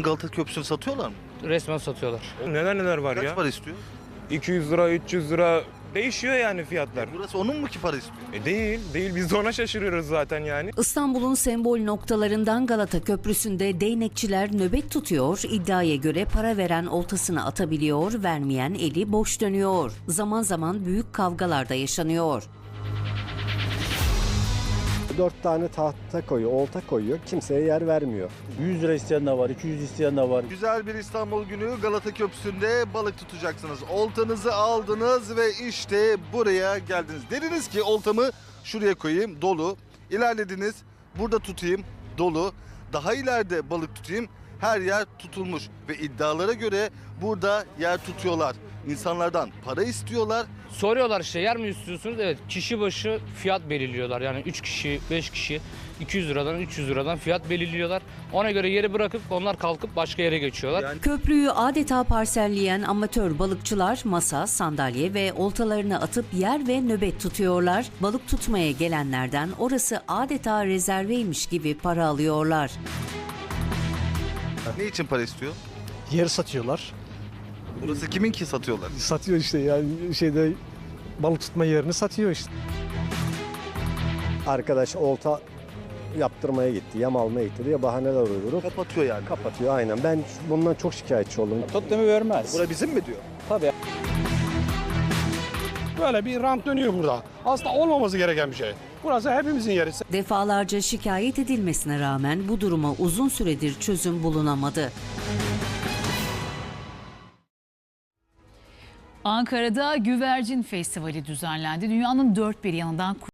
Galata Köprüsü'nü satıyorlar mı? Resmen satıyorlar. Neler neler var Kaç ya. para istiyor? 200 lira, 300 lira değişiyor yani fiyatlar. Burası onun mu ki para istiyor? Değil. Biz de ona şaşırıyoruz zaten yani. İstanbul'un sembol noktalarından Galata Köprüsü'nde değnekçiler nöbet tutuyor, iddiaya göre para veren oltasını atabiliyor, vermeyen eli boş dönüyor. Zaman zaman büyük kavgalar da yaşanıyor. 4 tane tahta koyuyor, olta koyuyor. Kimseye yer vermiyor. 100 lira isteyen de var, 200 isteyen de var. Güzel bir İstanbul günü Galata Köprüsü'nde balık tutacaksınız. Oltanızı aldınız ve işte buraya geldiniz. Dediniz ki oltamı şuraya koyayım, dolu. İlerlediniz, burada tutayım, dolu. Daha ileride balık tutayım, her yer tutulmuş. Ve iddialara göre burada yer tutuyorlar. İnsanlardan para istiyorlar. Soruyorlar işte yer mi istiyorsunuz? Evet, kişi başı fiyat belirliyorlar. Yani 3 kişi, 5 kişi 200 liradan 300 liradan fiyat belirliyorlar. Ona göre yeri bırakıp onlar kalkıp başka yere geçiyorlar. Köprüyü adeta parselleyen amatör balıkçılar masa, sandalye ve oltalarını atıp yer ve nöbet tutuyorlar. Balık tutmaya gelenlerden orası adeta rezerveymiş gibi para alıyorlar. Ne için para istiyor? Yer satıyorlar. Burası kimin ki satıyorlar? Satıyor işte yani balık tutma yerini satıyor işte. Arkadaş olta yaptırmaya gitti, yem almaya gitti diye bahaneler uydurup Kapatıyor yani. kapatıyor aynen. Ben bundan çok şikayetçi oldum. Tut demi vermez. Bura bizim mi diyor? Tabii. Böyle bir rant dönüyor burada. Aslında olmaması gereken bir şey. Burası hepimizin yeri. Defalarca şikayet edilmesine rağmen bu duruma uzun süredir çözüm bulunamadı. Ankara'da Güvercin Festivali düzenlendi. Dünyanın dört bir yanından